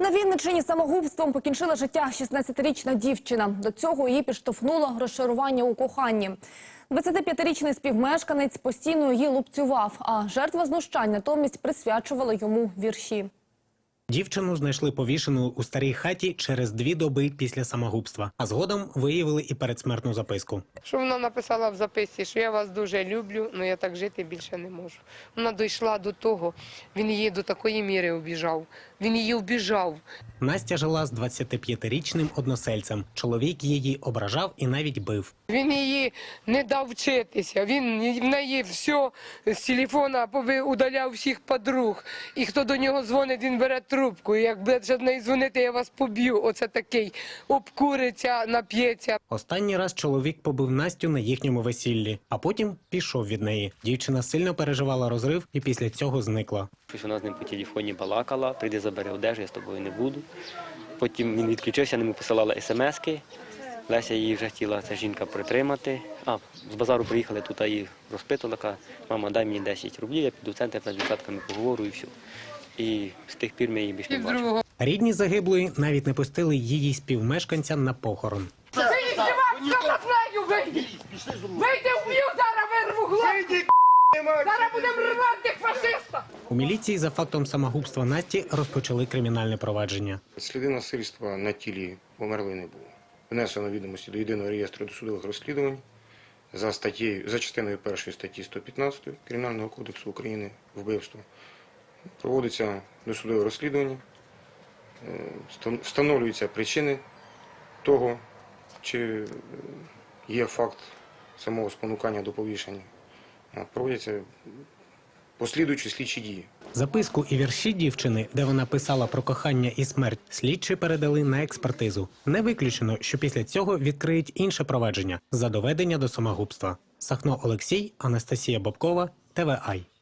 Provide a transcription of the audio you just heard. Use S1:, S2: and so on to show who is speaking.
S1: На Вінниччині самогубством покінчила життя 16-річна дівчина. До цього її підштовхнуло розчарування у коханні. 25-річний співмешканець постійно її лупцював, а жертва знущань натомість присвячувала йому вірші.
S2: Дівчину знайшли повішеною у старій хаті через 2 доби після самогубства. А згодом виявили і передсмертну записку.
S3: Що вона написала в записці, що я вас дуже люблю, але я так жити більше не можу. Вона дійшла до того, він її до такої міри обіжав. Він її обіжав.
S2: Настя жила з 25-річним односельцем. Чоловік її ображав і навіть бив.
S3: Він її не дав вчитися, він в неї все з телефона удаляв всіх подруг. І хто до нього дзвонить, він бере трубку. І як буде до неї дзвонити, я вас поб'ю. Оце такий, обкуриться, нап'ється.
S2: Останній раз чоловік побив Настю на їхньому весіллі, а потім пішов від неї. Дівчина сильно переживала розрив і після цього зникла.
S4: Вона з ним по телефоні балакала, прийди забери одежу, я з тобою не буду. Потім він відключився, йому посилали смски. Леся її вже хотіла, ця жінка, притримати. З базару приїхали, тут її розпитувала, каже: мама, дай мені 10 рублів, я піду в центр, з дівчатками поговорю і все. І з тих пір ми її більше не бачили.
S2: Рідні загиблої навіть не пустили її співмешканця на похорон.
S3: Вийди вб'ю, зараз вирву глотку! Зараз будемо рвати фашиста!
S2: У міліції за фактом самогубства Насті розпочали кримінальне провадження.
S5: Сліди насильства на тілі померлої не було. Внесено відомості до єдиного реєстру досудових розслідувань за частиною 1 статті 115 Кримінального кодексу України «Вбивство». Проводиться досудове розслідування, встановлюються причини того, чи є факт самого спонукання до повішення. Проводяться послідуючі слідчі дії.
S2: Записку і вірші дівчини, де вона писала про кохання і смерть, слідчі передали на експертизу. Не виключено, що після цього відкриють інше провадження за доведення до самогубства. Сахно Олексій, Анастасія Бобкова, ТВАЙ.